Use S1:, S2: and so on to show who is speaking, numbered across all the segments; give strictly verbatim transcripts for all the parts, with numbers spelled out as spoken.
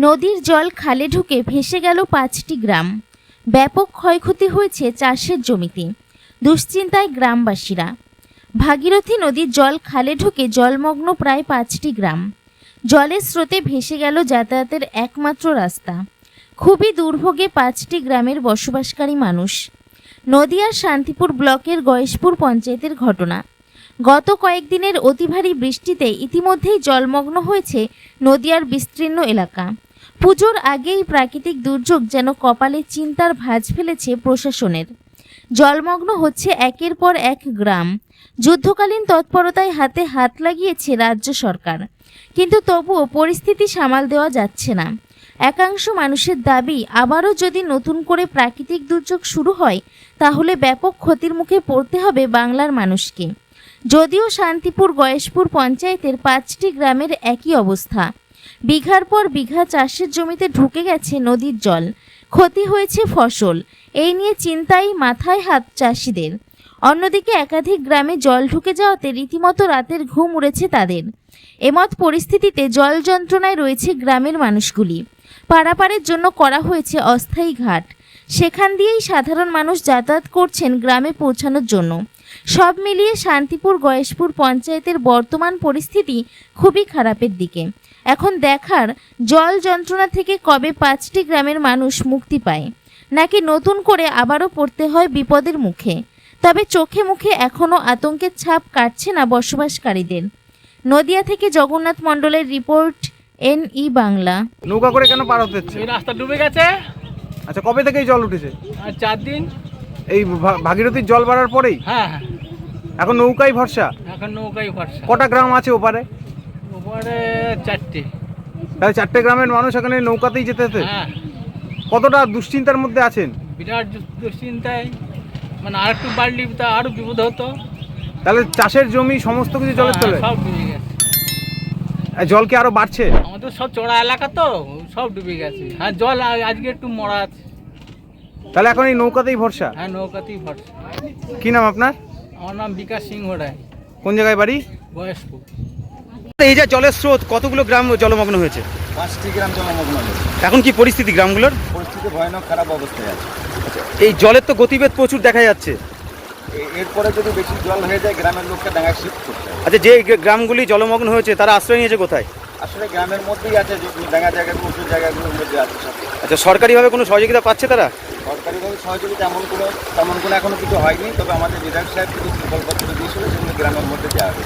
S1: নদীর জল খালে ঢুকে ভেসে গেল পাঁচটি গ্রাম। ব্যাপক ক্ষয়ক্ষতি হয়েছে চাষের জমিতে। দুশ্চিন্তায় গ্রামবাসীরা। ভাগীরথী নদীর জল খালে ঢুকে জলমগ্ন প্রায় পাঁচটি গ্রাম। জলের স্রোতে ভেসে গেল যাতায়াতের একমাত্র রাস্তা। খুবই দুর্ভোগে পাঁচটি গ্রামের বসবাসকারী মানুষ। নদিয়ার শান্তিপুর ব্লকের গয়েশপুর পঞ্চায়েতের ঘটনা। গত কয়েকদিনের অতি ভারী বৃষ্টিতে ইতিমধ্যেই জলমগ্ন হয়েছে নদিয়ার বিস্তীর্ণ এলাকা। পুজোর আগেই প্রাকৃতিক দুর্যোগ যেন কপালে চিন্তার ভাঁজ ফেলেছে প্রশাসনের। জলমগ্ন হচ্ছে একের পর এক গ্রাম। যুদ্ধকালীন তৎপরতায় হাতে হাত লাগিয়েছে রাজ্য সরকার, কিন্তু তবুও পরিস্থিতি সামাল দেওয়া যাচ্ছে না। একাংশ মানুষের দাবি, আবারও যদি নতুন করে প্রাকৃতিক দুর্যোগ শুরু হয় তাহলে ব্যাপক ক্ষতির মুখে পড়তে হবে বাংলার মানুষকে। যদিও শান্তিপুর গয়েশপুর পঞ্চায়েতের পাঁচটি গ্রামের একই অবস্থা। বিঘার পর বিঘা চাষের জমিতে ঢুকে গেছে নদীর জল, ক্ষতি হয়েছে ফসল। এই নিয়ে চিন্তায় মাথায় হাত চাষিদের। অন্যদিকে একাধিক গ্রামে জল ঢুকে যাওয়াতে রীতিমতো রাতের ঘুম উড়েছে তাদের। এমত পরিস্থিতিতে জল যন্ত্রণায় রয়েছে গ্রামের মানুষগুলি। পারাপারের জন্য করা হয়েছে অস্থায়ী ঘাট। সেখান দিয়েই সাধারণ মানুষ যাতায়াত করছেন গ্রামে পৌঁছানোর জন্য। সব মিলিয়ে শান্তিপুর গয়েশপুর পঞ্চায়েতের বর্তমান পরিস্থিতি খুবই খারাপের দিকে। এখন দেখার, জল যন্ত্রণা থেকে কবে পাঁচটি গ্রামের মানুষ মুক্তি পায়, নাকি নতুন করে আবারও পড়তে হয় বিপদের মুখে। তবে চোখে মুখে এখনও আতঙ্কের ছাপ কাটছে না বসবাসকারীদের। নদিয়া থেকে জগন্নাথ মণ্ডলের রিপোর্ট, এন ই বাংলা।
S2: নৌকা করে কেন পার হতে হচ্ছে?
S3: এই রাস্তা ডুবে গেছে।
S2: আচ্ছা, কবে থেকে এই জল উঠেছে?
S3: আর চার দিন।
S2: এই ভা- ভাগীরথীর জল বাড়ার পরেই
S3: হ্যাঁ হ্যাঁ,
S2: এখন নৌকাই ভরসা।
S3: এখন নৌকাই ভরসা।
S2: কটা গ্রাম আছে ওপারে?
S3: ওপরে চারটে।
S2: তাহলে চারটে গ্রামের মানুষ এখানে নৌকাতেই যেতে হতে।
S3: হ্যাঁ,
S2: কতটা দুশ্চিন্তার মধ্যে আছেন?
S3: বিরাট দু- দুশ্চিন্তায়, মানে আর একটু বাড়লি তা আরো বিপদ হতো।
S2: তাহলে চাষের জমি সমস্ত কিছু জলের
S3: হ্যাঁ,
S2: তলে।
S3: সব ডুবে গেছে।
S2: আর জল কি আরো বাড়ছে?
S3: আমাদের সব চড়া এলাকা তো, সব ডুবে গেছে। হ্যাঁ, জল আ- আজকে একটু মরা আছে।
S2: তাহলে এখন এই নৌকাতেই ভরসা।
S3: হ্যাঁ, নৌকাতেই ভরসা।
S2: কি নাম আপনার?
S3: আমার নাম বিকাশ সিংহ রায়,
S2: কোন জায়গায় বাড়ি?
S3: বয়স্ক।
S2: এই যে জলের স্রোত, কতগুলো গ্রাম জলমগ্ন হয়েছে?
S4: পাঁচটি গ্রাম জলমগ্ন হয়েছে।
S2: এখন কি পরিস্থিতি গ্রামগুলোর?
S4: পরিস্থিতি ভয়ানক খারাপ অবস্থায় আছে।
S2: এই জলের তো গতিবেগ প্রচুর দেখা যাচ্ছে।
S4: এ- এরপরে যদি বেশি জল হয়ে যায় গ্রামের লোককে ডাঙায় শিফট করতে হবে।
S2: আচ্ছা, যে গ্রামগুলি জলমগ্ন হয়েছে তারা আশ্রয় নিয়েছে কোথায়?
S4: আসলে গ্রামের মধ্যেই আছে, যে ডাঙা জায়গাগুলো উঁচু জায়গাগুলোর মধ্যে আছে সব।
S2: আচ্ছা, সরকারিভাবে কোনো সহযোগিতা পাচ্ছে তারা?
S4: সরকারিভাবে সহযোগিতা এমন কোনো তেমন কোনো এখনো কিছু হয়নি, তবে আমাদের বিধায়ক সাহেব কিছু প্রকল্পত্র দিয়েছিল, সেগুলো গ্রামের মধ্যে দেওয়া হবে।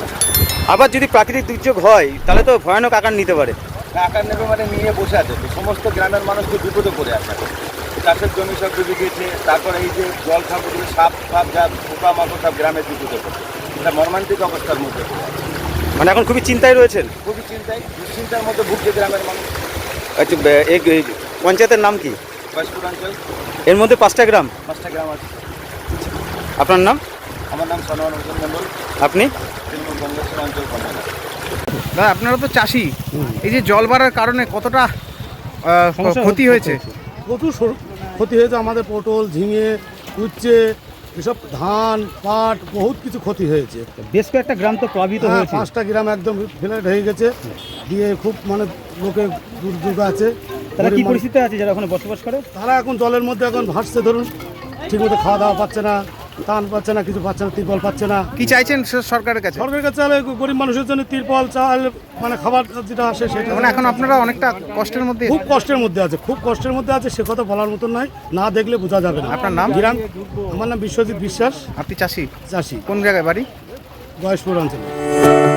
S2: আবার যদি প্রাকৃতিক দুর্যোগ হয় তাহলে তো ভয়ানক আকার নিতে পারে।
S4: আকার নেবে মানে নিয়ে বসে আছে তো, সমস্ত গ্রামের মানুষ তো বিপদে পড়ে আছে এখন। চাষের জমি সব ডুবে গিয়েছে, তারপরে এই যে জল খাবগুলো সাপ ফাপ যা পোকা মাকড় সব গ্রামের বিপদে পড়ে। এটা মর্মান্তিক অবস্থার মধ্যে পড়ে আছে।
S2: মানে এখন খুবই চিন্তায় রয়েছেন।
S4: খুবই চিন্তায়, দুশ্চিন্তার মধ্যে ভুগছে গ্রামের মানুষ।
S2: আচ্ছা, বে- এই এই পঞ্চায়েতের নাম কি?
S4: গয়েশপুর অঞ্চল,
S2: এর মধ্যে পাঁচটা গ্রাম।
S4: পাঁচটা গ্রাম আছে।
S2: আপনার নাম?
S4: আমার নাম সনোয়ার হোসেন মণ্ডল,
S2: আপনি?
S4: তৃণমূল কংগ্রেসের অঞ্চল কনভেনর।
S2: দাদা, আপনারা তো চাষি, এই যে জল বাড়ার কারণে কতটা আহ, ক্ষতি হয়েছে?
S5: প্রচুর সর- ক্ষতি হয়েছে আমাদের। পটল, ঝিঙে, উচ্ছে, এসব ধান, পাট, বহুত কিছু ক্ষতি হয়েছে।
S2: বেশ কয়েকটা গ্রাম তো প্লাবিত
S5: হ্যাঁ,
S2: হয়েছে।
S5: পাঁচটা গ্রাম একদম ফ্ল্যাট হয়ে গেছে, দিয়ে খুব মানে লোকের দুর্যোগ আছে।
S2: তারা কি
S5: গরিব মানুষ-
S2: পরিস্থিতি আছে যারা ওখানে বসবাস করে?
S5: তারা এখন জলের মধ্যে এখন ভাসছে, ধরুন ঠিকমতো খাওয়া দাওয়া পাচ্ছে না, টান পাচ্ছে না, কিছু পাচ্ছে না, তিরপল পাচ্ছে না।
S2: কি চাইছেন স- সরকারের কাছে?
S5: সরকারের কাছে চাইলে গরিব মানুষের জন্য তিরপল, চাল, মানে খাবার যেটা আসে সেটা।
S2: মানে এখন আপনারা অনেকটা কষ্টের মধ্যে।
S5: খুব কষ্টের মধ্যে আছে, খুব কষ্টের মধ্যে আছে, সে কথা বলার মতন নয়, না দেখলে বোঝা যাবে না।
S2: আপনার নাম?
S5: গ্রাম, আমার নাম বিশ্বজিৎ বিশ্বাস,
S2: আপনি চাষি?
S5: চাষি,
S2: কোন জায়গায় বাড়ি?
S5: গয়েশপুর অঞ্চলে।